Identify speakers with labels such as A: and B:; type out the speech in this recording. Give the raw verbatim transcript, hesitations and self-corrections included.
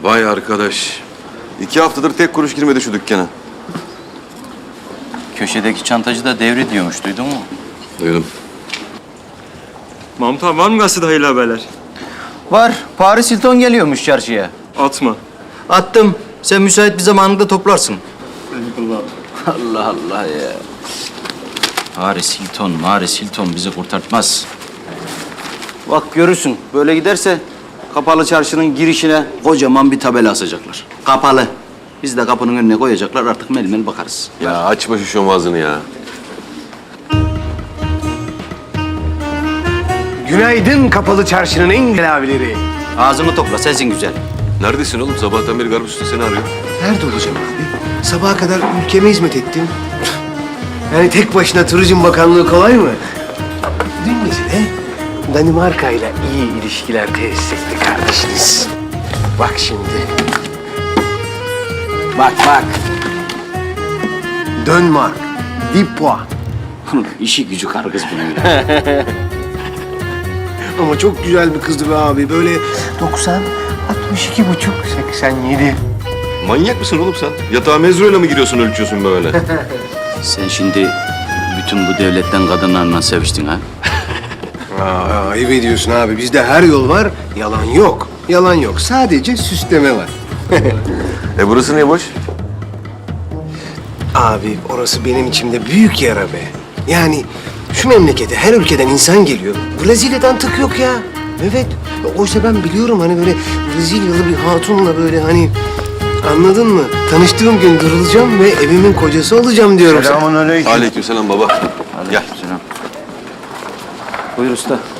A: Vay arkadaş. İki haftadır tek kuruş girmedi şu dükkana.
B: Köşedeki çantacı da devri diyormuş, duydun mu?
A: Duydum.
C: Mahmut abi var mı gazetede hayırlı haberler?
B: Var, Paris Hilton geliyormuş çarşıya.
C: Atma.
B: Attım, sen müsait bir zamanında toplarsın. Allah Allah ya. Paris Hilton, Paris Hilton bizi kurtartmaz. Bak görürsün, böyle giderse kapalı çarşının girişine kocaman bir tabela asacaklar. Kapalı. Biz de kapının önüne koyacaklar, artık mel mel bakarız.
A: Ya açma şu şom ağzını ya.
D: Günaydın kapalı çarşının en güzel abileri.
B: Ağzını topla, sesin güzel.
A: Neredesin oğlum? Sabahtan beri garip üstü seni arıyor.
D: Nerede olacağım abi? Sabaha kadar ülkeme hizmet ettim. Yani tek başına Turizm Bakanlığı kolay mı? Dün gece de Danimarka ile iyi ilişkiler tesis etti kardeşiniz. Bak şimdi. Bak bak. Dönmark, Dipua.
B: İşi gücü kargız bunun ya.
D: Ama çok güzel bir kızdı be abi. Böyle doksan, altmış iki buçuk, seksen yedi.
A: Manyak mısın oğlum sen? Yatağa mezroyla mı giriyorsun, ölçüyorsun böyle?
B: Sen şimdi bütün bu devletten kadınlarla seviştin ha?
D: Aa, ayıp ediyorsun abi. Bizde her yol var, yalan yok. Yalan yok. Sadece süsleme var.
A: E burası niye boş?
D: Abi orası benim içimde büyük yara be. Yani şu memlekete her ülkeden insan geliyor. Brezilya'dan tık yok ya. Evet. Oysa ben biliyorum hani böyle Brezilyalı bir hatunla böyle hani anladın mı? Tanıştığım gün kırılacağım ve evimin kocası olacağım diyorum.
B: Selamünaleyküm.
A: Aleykümselam baba. Gel.
B: Selam. Buyur usta.